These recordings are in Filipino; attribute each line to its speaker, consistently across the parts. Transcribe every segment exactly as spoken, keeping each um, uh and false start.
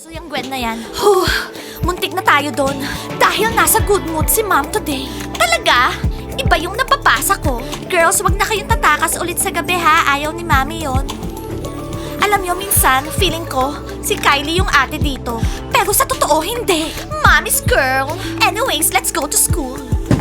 Speaker 1: So yung Gwen na yan. Huh, muntik na tayo doon. Dahil nasa good mood si Mom today. Talaga? Iba yung napapasa ko. Girls, wag na kayong tatakas ulit sa gabi ha. Ayaw ni Mami yon. Alam nyo, minsan, feeling ko, si Kylie yung ate dito. Pero sa totoo, hindi. Mommy's girl. Anyways, let's go to school.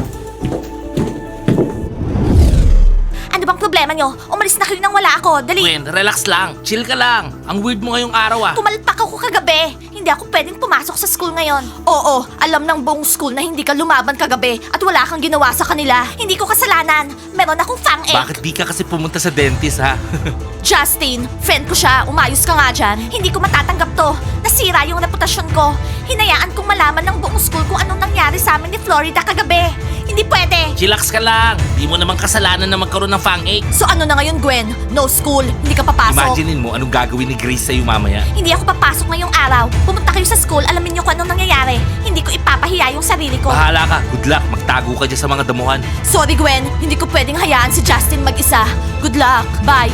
Speaker 1: Ano bang problema nyo? Umalis na kayo nang wala ako. Dali.
Speaker 2: Gwen, relax lang. Chill ka lang. Ang weird mo ngayong araw ah.
Speaker 1: Pumalpak ako kagabi. Hindi ako pwedeng pumasok sa school ngayon. Oo, alam ng buong school na hindi ka lumaban kagabi at wala kang ginawa sa kanila. Hindi ko kasalanan. Meron akong fang-ache.
Speaker 2: Bakit di ka kasi pumunta sa dentist ha?
Speaker 1: Justin, friend ko siya. Umayos ka nga dyan. Hindi ko matatanggap to. Nasira yung reputasyon ko. Hinayaan kong malaman ng buong school kung anong nangyari sa amin ni Florida kagabi. Hindi pwede.
Speaker 2: Chillax ka lang. Di mo naman kasalanan na magkaroon ng fang-ache.
Speaker 1: So ano na ngayon, Gwen? No school. Hindi ka papasok.
Speaker 2: Imaginein mo anong gagawin ni Grace sa'yo mamaya.
Speaker 1: Hindi ako papasok ngayong araw. Pumunta kayo sa school, alamin niyo kung anong nangyayari. Hindi ko ipapahiya yung sarili ko.
Speaker 2: Bahala ka. Good luck. Magtago ka dyan sa mga damuhan.
Speaker 1: Sorry, Gwen. Hindi ko pwedeng hayaan si Justin mag-isa. Good luck. Bye.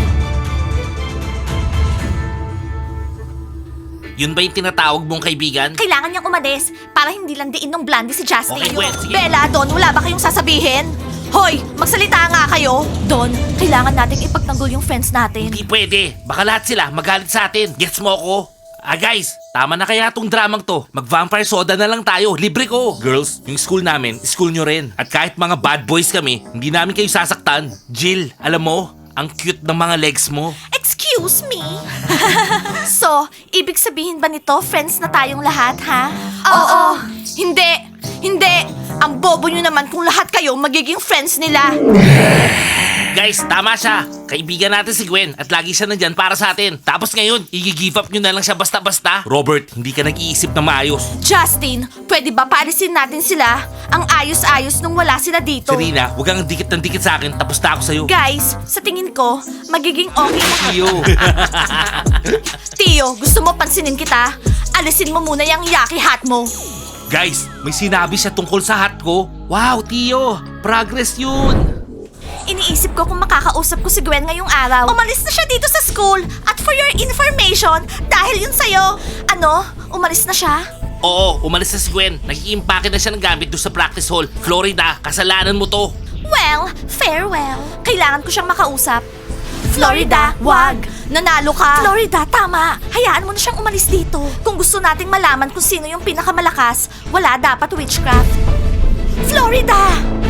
Speaker 2: Yun ba yung tinatawag mong kaibigan?
Speaker 1: Kailangan niyang umalis para hindi lang diin ng blondie si Justin.
Speaker 2: Okay, Gwen, sige.
Speaker 1: Bella, Don, wala ba kayong sasabihin? Hoy, magsalita nga kayo. Don, kailangan nating ipagtanggol yung friends natin.
Speaker 2: Hindi pwede. Baka lahat sila magalit sa atin. Gets mo ako? Ah guys, tama na kaya tong dramang to. Mag-vampire soda na lang tayo. Libre ko. Girls, yung school namin, school nyo rin. At kahit mga bad boys kami, hindi namin kayo sasaktan. Jill, alam mo, ang cute ng mga legs mo.
Speaker 1: Excuse me? So, ibig sabihin ba nito, friends na tayong lahat, ha? Oo. Hindi. Hindi. Ang bobo nyo naman kung lahat kayo magiging friends nila.
Speaker 2: Guys, tama siya. Kaibigan natin si Gwen at lagi siya nandyan para sa atin. Tapos ngayon, i-give up nyo na lang siya basta-basta. Robert, hindi ka nag-iisip na maayos.
Speaker 1: Justin, pwede ba paalisin natin sila? Ang ayos-ayos nung wala sila dito.
Speaker 2: Serena, huwag kang dikit ng dikit sa akin. Tapos na ako sa'yo.
Speaker 1: Guys, sa tingin ko, magiging okay na.
Speaker 2: Iyo.
Speaker 1: Tio, gusto mo pansinin kita? Alisin mo muna yung yaki hat mo.
Speaker 2: Guys, may sinabi siya tungkol sa hat ko. Wow, Tio, progress yun.
Speaker 1: Iniisip ko kung makakausap ko si Gwen ngayong araw. Umalis na siya dito sa school. At for your information, dahil yun sa'yo. Ano? Umalis na siya?
Speaker 2: Oo, umalis na si Gwen. Nag-iimpake na siya ng gamit doon sa practice hall. Florida, kasalanan mo to.
Speaker 1: Well, farewell. Kailangan ko siyang makausap. Florida, wag. Nanalo ka. Florida, tama. Hayaan mo na siyang umalis dito. Kung gusto nating malaman kung sino yung pinakamalakas, wala dapat witchcraft. Florida!